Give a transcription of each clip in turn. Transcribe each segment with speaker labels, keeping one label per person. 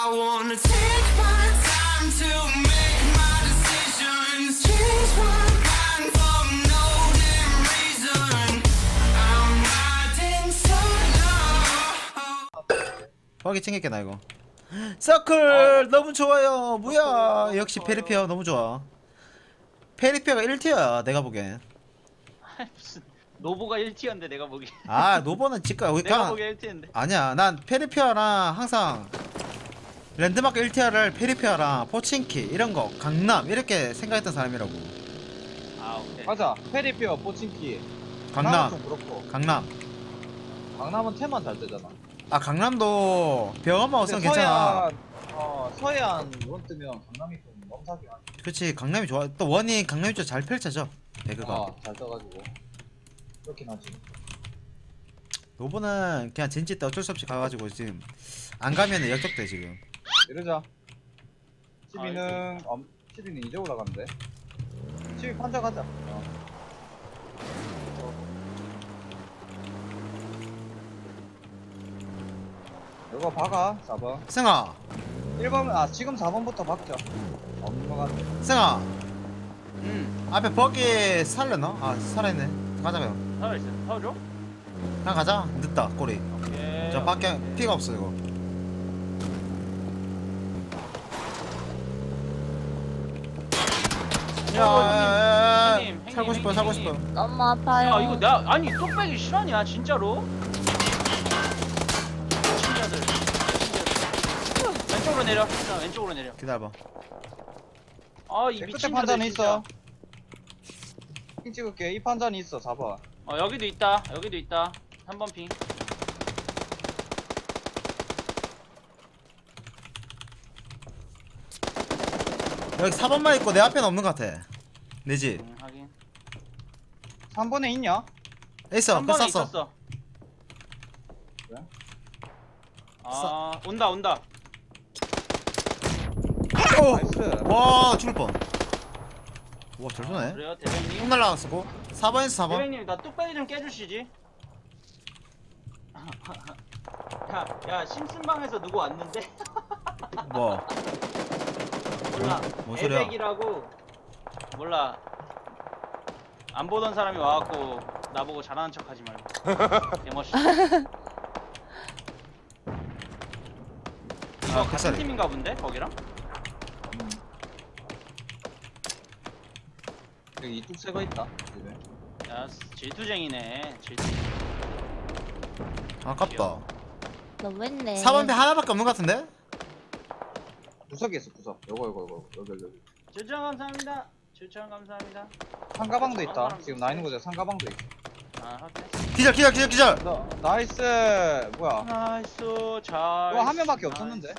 Speaker 1: wanna take my time to make my decisions. Change my mind for no damn reason. I'm riding solo.
Speaker 2: 거기 챙길게 나 이거. 서클 너무 좋아요. 뭐야? 역시 페리피아 너무 좋아. 페리피아가 1티어야 내가 보기엔.
Speaker 3: 무슨 노보가 1티어인데 내가 보기.
Speaker 2: 아 노버는 직가 여기
Speaker 3: 내가
Speaker 2: 가.
Speaker 3: 보기 1티어인데.
Speaker 2: 아니야 난 페리피아랑 항상 랜드마크 1티어를 페리피아랑 포친키 이런거 강남 이렇게 생각했던 사람이라고.
Speaker 3: 아 오케이.
Speaker 4: 맞아. 페리피어, 포친키.
Speaker 2: 강남
Speaker 4: 좀 그렇고.
Speaker 2: 강남.
Speaker 4: 강남은 테만 잘 뜨잖아.
Speaker 2: 아 강남도 병원만 없으면 괜찮아.
Speaker 4: 서해안 원 뜨면 강남이 좀 넘사긴 하지.
Speaker 2: 그치 강남이 좋아. 또 원이 강남이 좀 잘 펼쳐져 배그가.
Speaker 4: 잘 떠가지고. 그렇긴 하지.
Speaker 2: 노버는 그냥 젠지 때 어쩔 수 없이 가가지고 지금 안 가면은 역적돼 지금.
Speaker 4: 이러자. 12는, 12는 이제 올라가는데. 12 판자 가자. 이거 박아, 4번.
Speaker 2: 승아
Speaker 4: 1번, 지금 4번부터 박자. 없는 거 같네.
Speaker 2: 승아 앞에 버기 살려나? 아 살아있네. 가자 그냥.
Speaker 3: 타워 있어. 타워 줘?
Speaker 2: 그냥 가자. 늦다 꼬리.
Speaker 3: 오케이.
Speaker 2: 저 밖에 피가 없어 이거. 야야야야
Speaker 3: 형님,
Speaker 2: 살고 싶어
Speaker 3: 형님,
Speaker 2: 살고
Speaker 3: 형님.
Speaker 2: 싶어.
Speaker 5: 너무 아파요.
Speaker 3: 야 이거 나 아니 뚝배기 실화냐 진짜로? 친자들. 왼쪽으로 내려. 자, 왼쪽으로 내려.
Speaker 2: 기다려봐.
Speaker 3: 아 이
Speaker 4: 끝에
Speaker 3: 미친
Speaker 4: 판자는
Speaker 3: 자들
Speaker 4: 있어.
Speaker 3: 진짜.
Speaker 4: 핑 찍을게. 이 판자는 있어, 4번.
Speaker 3: 여기도 있다. 여기도 있다. 3번 핑.
Speaker 2: 여기 4번만 있고 내 앞에는 없는 것 같아. 내지
Speaker 3: 확인.
Speaker 4: 3번에 있냐?
Speaker 2: 있어. 그
Speaker 3: 3번에
Speaker 2: 쐈어.
Speaker 3: 있었어.
Speaker 4: 그래?
Speaker 3: 아 온다 온다.
Speaker 2: 오!
Speaker 4: 나이스.
Speaker 2: 와 죽을 뻔. 와잘 쏘네.
Speaker 3: 그래요 대장님.
Speaker 2: 총 날라갔고 4번에서 4번.
Speaker 3: 대장님 나 뚝배기 좀 깨주시지. 야 심슨방에서 누구 왔는데?
Speaker 2: 뭐?
Speaker 3: 몰라.
Speaker 2: 뭔 소리야?
Speaker 3: 에백이라고 몰라. 안 보던 사람이 와갖고 나보고 잘하는 척하지 말고. 개멋있어. 이거 같은
Speaker 2: 뱃살이.
Speaker 3: 팀인가 본데 거기랑?
Speaker 4: 여기 이뚝 새거 있다. 집에.
Speaker 3: 야 질투쟁이네. 질투.
Speaker 2: 아깝다.
Speaker 5: 너무 했네.
Speaker 2: 4번 배 하나밖에 없는 것 같은데?
Speaker 4: 구석에 있어, 구석. 요거. 여기.
Speaker 3: 추천 감사합니다. 추천 감사합니다.
Speaker 4: 상가방도 있다. 지금 나 있는 곳에 상가방도 있어.
Speaker 3: 아 확인.
Speaker 2: 기절.
Speaker 4: 나이스. 뭐야.
Speaker 3: 나이스 잘.
Speaker 4: 이거 한 명밖에 없었는데.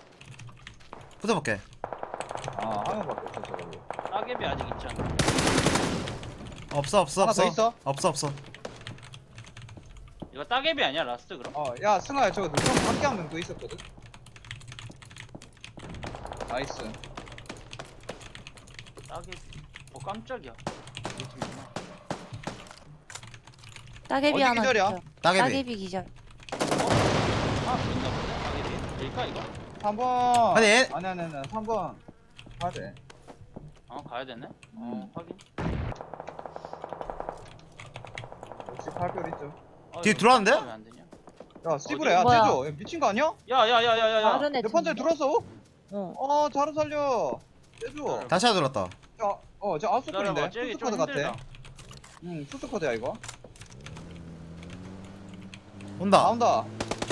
Speaker 2: 붙어볼게.
Speaker 4: 한 명밖에 없었어, 거기.
Speaker 3: 따개비 아직 있잖아.
Speaker 2: 없어.
Speaker 4: 하나 더 있어?
Speaker 2: 없어.
Speaker 3: 이거 따개비 아니야 라스트 그럼?
Speaker 4: 야, 승아야, 저거 누구 밖에 한 명 또 있었거든? 나이스.
Speaker 3: 따개비. 깜짝이야. 우리 팀이구나.
Speaker 5: 따개비
Speaker 4: 어디
Speaker 5: 하나
Speaker 4: 기절이야?
Speaker 5: 기절.
Speaker 2: 따개비.
Speaker 5: 따개비 기절.
Speaker 3: 아 보인다 보네. 따개비. 될까 이거?
Speaker 4: 3번.
Speaker 2: 아니, 얘-
Speaker 4: 아니. 3번. 가야 돼.
Speaker 3: 가야 되네. 확인.
Speaker 4: 역시 발표 있죠.
Speaker 2: 뒤에
Speaker 3: 이거
Speaker 2: 들어왔는데?
Speaker 3: 왜안 되냐?
Speaker 4: 야, 스티브레, 야,
Speaker 5: 뭐야?
Speaker 4: 떼줘. 야, 미친 거 아니야?
Speaker 3: 야야야야야야.
Speaker 5: 다른 애
Speaker 4: 내 판자에
Speaker 5: 팀인데?
Speaker 4: 들어왔어?
Speaker 5: 어.
Speaker 4: 자루 살려. 떼줘.
Speaker 2: 다시 하나 들었다.
Speaker 4: 저 아웃스쿨인데?
Speaker 3: 기다려봐. 쟤기 좀
Speaker 4: 수스코드
Speaker 3: 힘들다.
Speaker 4: 같아. 수스코드야, 이거.
Speaker 2: 온다.
Speaker 4: 나온다.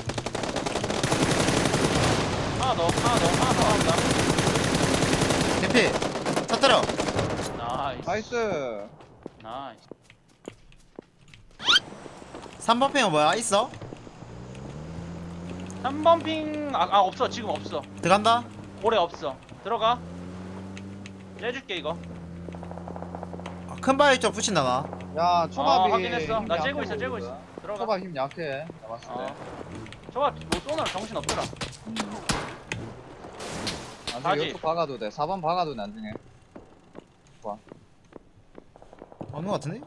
Speaker 3: 하나 더 한다.
Speaker 2: 대피. 터뜨려.
Speaker 3: 나이스.
Speaker 4: 나이스.
Speaker 2: 3번 팽은 뭐야? 있어?
Speaker 3: 3번 핑 없어. 지금 없어.
Speaker 2: 들어간다.
Speaker 3: 올해 없어. 들어가. 째줄게 이거.
Speaker 2: 큰 바위 쪽 붙인다 나.
Speaker 4: 야, 초밥이.
Speaker 3: 확인했어.
Speaker 4: 힘이
Speaker 3: 나
Speaker 4: 약해
Speaker 3: 째고 있어.
Speaker 4: 보이거든.
Speaker 3: 들어가.
Speaker 4: 초밥 힘 약해. 나 봤을 때.
Speaker 3: 저거 뭐 쏘느라 정신 없더라.
Speaker 4: 나중에
Speaker 3: 가지.
Speaker 4: 이쪽 박아도 돼. 4번 박아도 돼, 나중에.
Speaker 2: 없는 것 같은데?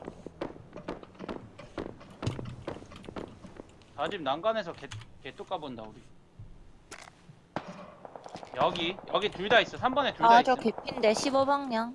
Speaker 3: 다집 난간에서 개똑 까본다 우리. 여기 둘 다 있어. 3번에 둘 다
Speaker 5: 아,
Speaker 3: 있어.
Speaker 5: 저 개핀데 15방향.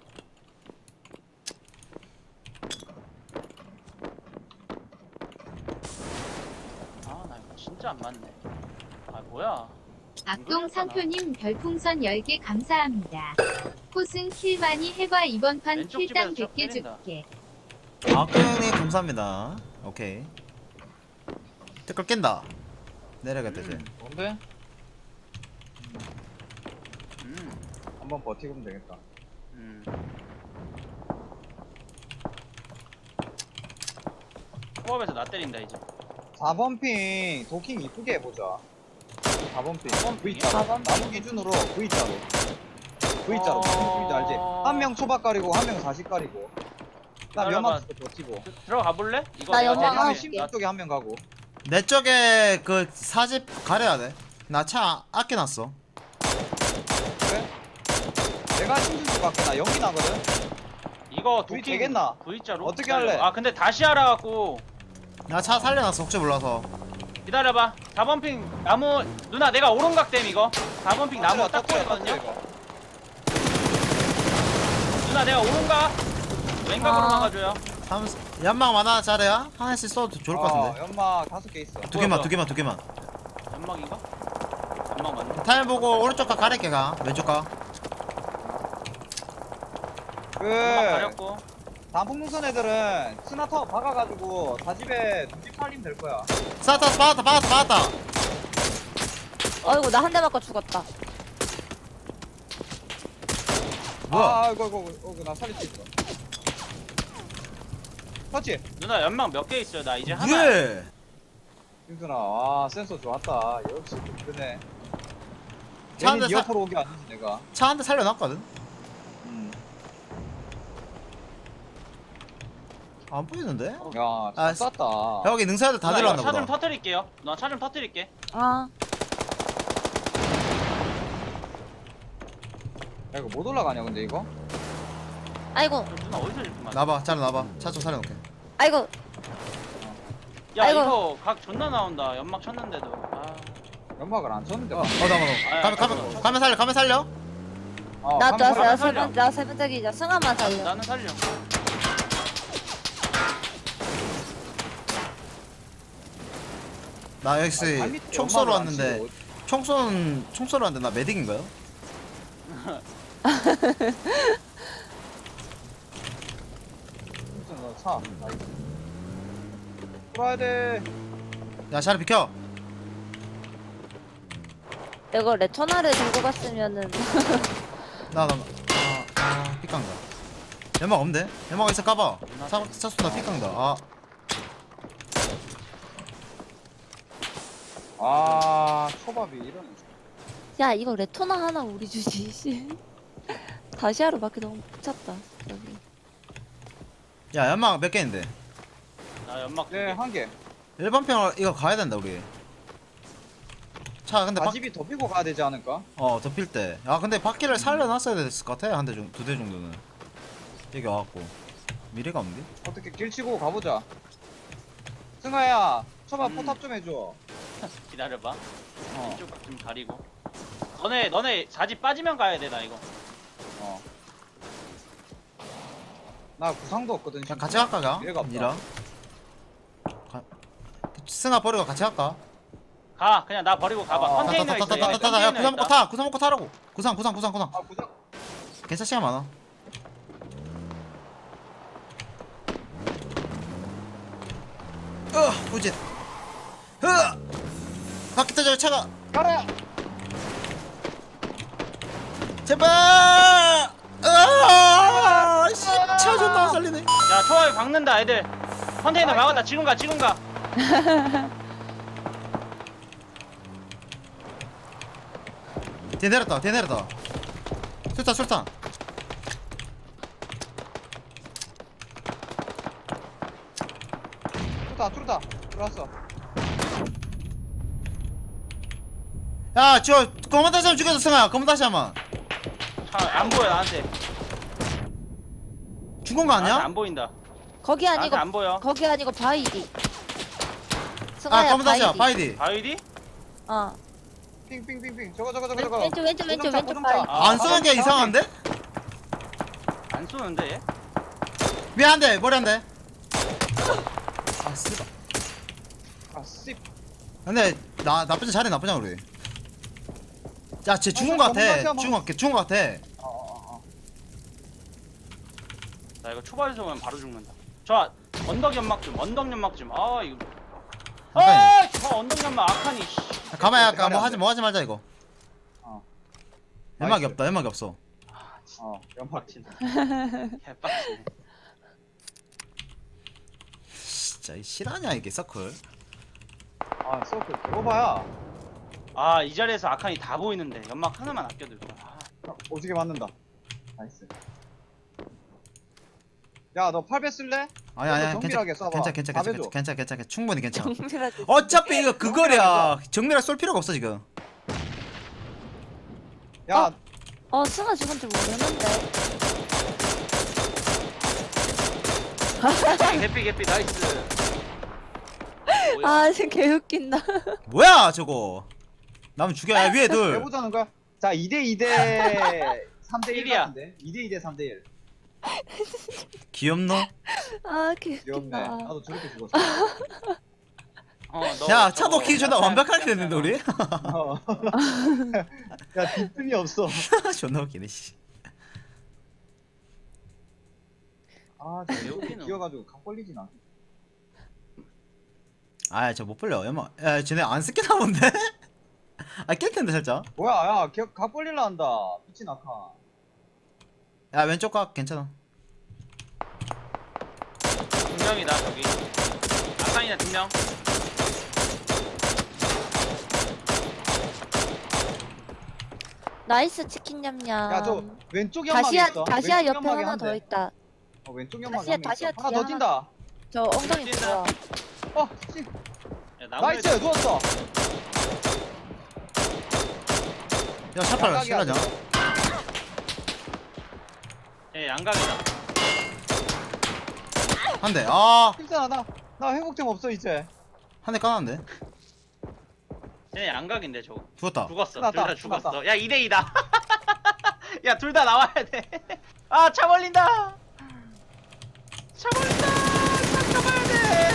Speaker 3: 아, 나 이거 진짜 안 맞네. 아, 뭐야?
Speaker 6: 악동 상표님 별풍선 10개 감사합니다. 코승 킬 많이 해봐 이번 판
Speaker 3: 왼쪽
Speaker 6: 킬당
Speaker 3: 집에서
Speaker 6: 100개
Speaker 3: 때린다.
Speaker 6: 줄게.
Speaker 2: 아까형님 감사합니다. 오케이. 댓글 깬다. 내려가겠다 이제.
Speaker 4: 뭔데?
Speaker 3: 음.
Speaker 4: 한번 버티면 되겠다.
Speaker 3: 음. 코업에서 나 때린다 이제.
Speaker 4: 4번 핑 도킹 이쁘게 해보자. 4번 핑
Speaker 3: 4번
Speaker 4: V자.
Speaker 5: 4번
Speaker 4: 나무 기준으로 V자로. V자로. V자 알지?
Speaker 3: 어.
Speaker 4: 한 명 초밥 가리고 한 명 40 가리고. 나
Speaker 3: 기다려봐.
Speaker 4: 연막 쪽에 버티고.
Speaker 3: 들어가 볼래? 이거
Speaker 5: 나
Speaker 3: 내가
Speaker 5: 연막
Speaker 3: 제일
Speaker 5: 안
Speaker 4: 한
Speaker 5: 할게.
Speaker 4: 심 쪽에 한 명 가고.
Speaker 2: 내 쪽에 그 사집 가려야 돼. 나 차 아껴놨어.
Speaker 4: 그래? 내가 심슨 밖에 나 연기 나거든.
Speaker 3: 이거
Speaker 4: V
Speaker 3: 도킹
Speaker 4: 되겠나?
Speaker 3: V자로
Speaker 4: 어떻게 할래?
Speaker 3: 아 근데 다시 하라 갖고
Speaker 2: 나 차 살려놨어 혹시 몰라서.
Speaker 3: 기다려봐. 4번 핑 나무 누나 내가 오른각댐 이거. 4번 핑 나무 딱 보이거든요. 누나 내가 오른각 왼각으로
Speaker 5: 아.
Speaker 3: 막아줘요.
Speaker 2: 연막 많아 잘해야 하나씩 써도 좋을 것 같은데.
Speaker 4: 연막 5개 있어.
Speaker 2: 두 개만
Speaker 3: 뭐야?
Speaker 2: 두 개만 두 개만.
Speaker 3: 연막인가? 연막 맞네.
Speaker 2: 타임 보고 오른쪽 가 가릴게 가. 왼쪽 가.
Speaker 4: 그
Speaker 3: 연막 가렸고.
Speaker 4: 단풍능선 애들은 스나터 박아가지고 다집에 두집 살리면 될 거야.
Speaker 2: 쐈다 받았다.
Speaker 5: 어이구, 나 한 대 맞고 죽었다.
Speaker 2: 뭐야?
Speaker 4: 아이고 나 살릴 수 있어. 터치.
Speaker 3: 누나 연막 몇 개 있어요? 나 이제 하나.
Speaker 2: 왜?
Speaker 4: 윤준아, 아 센서 좋았다. 역시 그네.
Speaker 2: 차 한
Speaker 4: 괜히
Speaker 2: 대
Speaker 4: 네 옆으로 오게 아니지 내가.
Speaker 2: 차 한 대 살려놨거든. 안 보이는데?
Speaker 4: 야,
Speaker 2: 아,
Speaker 4: 잘 쐈다.
Speaker 2: 여기 능사들 다
Speaker 3: 누나 이거
Speaker 2: 들어왔나
Speaker 3: 차 좀
Speaker 2: 보다.
Speaker 3: 터뜨릴게요. 누나 차 좀 터뜨릴게.
Speaker 5: 아,
Speaker 4: 야, 이거 못 올라가냐 근데 이거?
Speaker 5: 아이고,
Speaker 3: 누나 어디서 이렇게 맞아?
Speaker 2: 나봐, 잘 나봐. 차 좀 살려놓게.
Speaker 5: 아이고.
Speaker 3: 야
Speaker 5: 아이고.
Speaker 3: 이거 각 존나 나온다. 연막 쳤는데도. 아.
Speaker 4: 연막을 안 쳤는데.
Speaker 2: 나. 가면 살려.
Speaker 5: 나
Speaker 3: 가면
Speaker 5: 떴어.
Speaker 3: 살려.
Speaker 5: 나 세 번째 기자. 승아만 살려.
Speaker 3: 나는 살려.
Speaker 2: 나 역시 총 쏘러 왔는데 총 쏘러 왔는데 나 메딕인가요?
Speaker 4: 너 차. 돌아야 돼.
Speaker 2: 야 자리 비켜.
Speaker 5: 이거 레토나를 들고 갔으면은.
Speaker 2: 삐깡다. 연막 없는데? 연막 있어 까봐. 차 쏜다 삐깡다.
Speaker 4: 아, 초밥이 이런.
Speaker 5: 야, 이거 레토나 하나 우리 주지. 씨. 다시 하러 맞기 너무 미쳤다. 여기.
Speaker 2: 야 연막 몇 개인데?
Speaker 3: 나 연막
Speaker 4: 네,
Speaker 3: 네.
Speaker 4: 한 개.
Speaker 2: 일반 평 이거 가야 된다 우리. 차 근데
Speaker 4: 다집이 더 피고 가야 되지 않을까?
Speaker 2: 덮일 때. 아 근데 바퀴를 살려놨어야 됐을 것 같아. 한 대 정도, 두 대 정도는. 여기 와갖고 미래가 없는데?
Speaker 4: 어떻게 길 치고 가보자. 승아야, 초밥 포탑 좀 해줘.
Speaker 3: 기다려봐.
Speaker 4: 어,
Speaker 3: 이쪽 좀 가리고. 너네 자지 빠지면 가야 돼 나 이거.
Speaker 4: 어. 나 구상도 없거든.
Speaker 2: 그냥 같이 갈까 가?
Speaker 4: 미래가 없다.
Speaker 2: 니랑? 승아 버리고 같이 갈까?
Speaker 3: 가 그냥 나 버리고 가봐.
Speaker 4: 어.
Speaker 3: 컨테이너 있어.
Speaker 2: 야 구상 먹고 타. 구상 먹고 타라고. 구상.
Speaker 4: 아, 구상.
Speaker 2: 괜찮 시간 많아. 후진. 바퀴 터져 차가.
Speaker 4: 가라.
Speaker 2: 제발. 차 존나 안 살리네.
Speaker 3: 야 초밥이 박는다 애들. 컨테이너 막았다. 지금 가.
Speaker 2: 뒤에 내렸다. 술탄.
Speaker 4: 투다. 들어왔어.
Speaker 2: 야, 저 검은 다시 한번 죽여서 승아. 검은 다시 한번.
Speaker 3: 안 보여 나한테.
Speaker 2: 죽은 거
Speaker 3: 나한테
Speaker 2: 아니야?
Speaker 3: 안 보인다.
Speaker 5: 거기
Speaker 3: 나한테
Speaker 5: 아니고,
Speaker 3: 안 보여.
Speaker 5: 거기 아니고 바이디. 승아야,
Speaker 2: 검은 다시야.
Speaker 5: 바이디.
Speaker 2: 바이디.
Speaker 3: 바이디?
Speaker 5: 어.
Speaker 4: 핑핑핑핑 저거 저거
Speaker 5: 왼쪽 왼쪽
Speaker 4: 고정차.
Speaker 5: 바위.
Speaker 2: 안 쏘는 게 이상한데?
Speaker 3: 안 쏘는데 얘?
Speaker 2: 위에 한 대, 머리 한 대. 아, 쓰다.
Speaker 4: 아씨
Speaker 2: 근데 나쁘지 잘해 나쁘냐 우리. 야, 쟤 죽은 거 같아. 죽은 거 같아.
Speaker 3: 나 이거 초발 쏘면 바로 죽는다. 저 언덕 연막 좀. 아 이거. 저 언덕 연막 아카니. 씨.
Speaker 2: 가만히 할까? 뭐 하지 말자 이거.
Speaker 4: 어.
Speaker 2: 연막이
Speaker 4: 나이스.
Speaker 2: 없다. 연막이 없어.
Speaker 4: 연막
Speaker 3: 빡치네. 개빡치네.
Speaker 2: 진짜 이 실화냐 이게 서클.
Speaker 4: 아 서클 개고봐야
Speaker 3: 아 이 자리에서 아카니 다 보이는데 연막 하나만 아껴둘 거야.
Speaker 4: 오지게 맞는다. 나이스. 야 너 8배 쓸래?
Speaker 2: 아니
Speaker 4: 정밀하게 쏴봐.
Speaker 2: 괜찮아 충분히 괜찮아.
Speaker 5: 정밀하게.
Speaker 2: 어차피 이거 그거야. 정밀하게 쏠 필요가 없어 지금.
Speaker 4: 야
Speaker 5: 승아 죽은 줄 모르는데.
Speaker 3: 개피 나이스.
Speaker 5: 아 지금 개웃긴다.
Speaker 2: 뭐야 저거. 나면 죽여. 야, 위에 둘.
Speaker 4: 해보자는 거야. 자 2대 3대 1
Speaker 3: 일이야.
Speaker 4: 같은데 2대 3대 1
Speaker 2: 귀엽노?
Speaker 5: 아
Speaker 4: 귀엽네.
Speaker 5: 개웃긴다.
Speaker 4: 나도 저렇게 죽었어.
Speaker 2: 야 차도 키 존나 완벽하게 됐는데 우리?
Speaker 4: 어. 야 뒷등이 없어.
Speaker 2: 존나 웃기네 씨.
Speaker 4: 아
Speaker 3: 왜 웃기노?
Speaker 4: 기어가지고 각 벌리진 않아.
Speaker 2: 아 저 못 불려. 야 쟤네 안 쓰겠나 본데? 아 깰 텐데 살짝.
Speaker 4: 뭐야 야각 벌릴라 한다. 미친 아카.
Speaker 2: 야 왼쪽 각 괜찮아.
Speaker 3: 2명이다 저기. 아카니나 2명.
Speaker 5: 나이스 치킨 냠냠.
Speaker 4: 야 저 왼쪽 연막이 있어.
Speaker 5: 다시야
Speaker 4: 왼쪽
Speaker 5: 옆에
Speaker 4: 연막이
Speaker 5: 하나
Speaker 4: 한
Speaker 5: 더
Speaker 4: 대.
Speaker 5: 있다.
Speaker 4: 왼쪽 연막이
Speaker 5: 다시야,
Speaker 4: 한 대
Speaker 5: 다시야
Speaker 4: 있어. 하나
Speaker 5: 뒤에
Speaker 4: 더 뛴다.
Speaker 5: 저 엉덩이
Speaker 3: 뛴다.
Speaker 5: 보여.
Speaker 4: 씨.
Speaker 3: 야, 나무에
Speaker 4: 나이스 누웠어.
Speaker 2: 야 샷발
Speaker 4: 양각이
Speaker 2: 실하자.
Speaker 4: 아니야.
Speaker 3: 예, 양각이다.
Speaker 2: 한 대. 아,
Speaker 4: 괜찮아 나 회복템 없어 이제.
Speaker 2: 한 대 까놨는데.
Speaker 3: 쟤네 양각인데 저거.
Speaker 2: 죽었다.
Speaker 3: 죽었어. 둘
Speaker 4: 끝났다,
Speaker 3: 다 죽었어.
Speaker 4: 끝났다.
Speaker 3: 야 2대2다. 야 둘 다 나와야 돼. 아 차 벌린다. 차 벌린다. 차 잡아야 돼.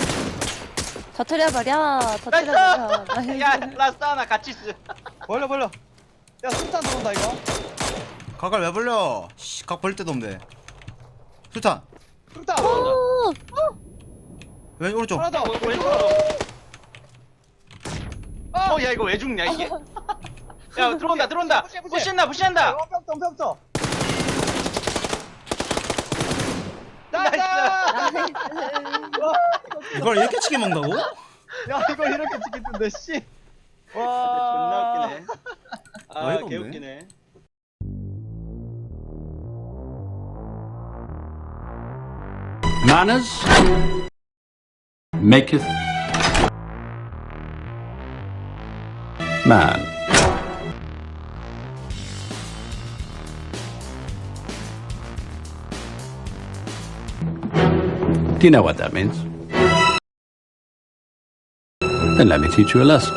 Speaker 5: 터트려버려.
Speaker 3: 나이스. 야 라스트 하나 같이 쓰.
Speaker 4: 벌려 야 술탄 들어온다 이거.
Speaker 2: 각을 왜 벌려? 씨, 각 벌릴 데도 없는데. 수탄.
Speaker 4: 술탄
Speaker 2: 왼 오른쪽.
Speaker 4: 하나 더.
Speaker 3: 야 이거 왜 죽냐 이게? 야 들어온다.
Speaker 4: 푸시.
Speaker 3: 부시한다.
Speaker 4: 뿅뿅뿅.
Speaker 3: 나이스.
Speaker 4: 나이스.
Speaker 2: 이걸 이렇게 치게 먹는다고?
Speaker 4: 야 이거 이렇게 찍겠던데 씨.
Speaker 3: 존나 웃기네. 아
Speaker 2: 어이가 없네.
Speaker 3: 개웃기네.
Speaker 7: Manners maketh man. Do you know what that means? Then let me teach you a lesson.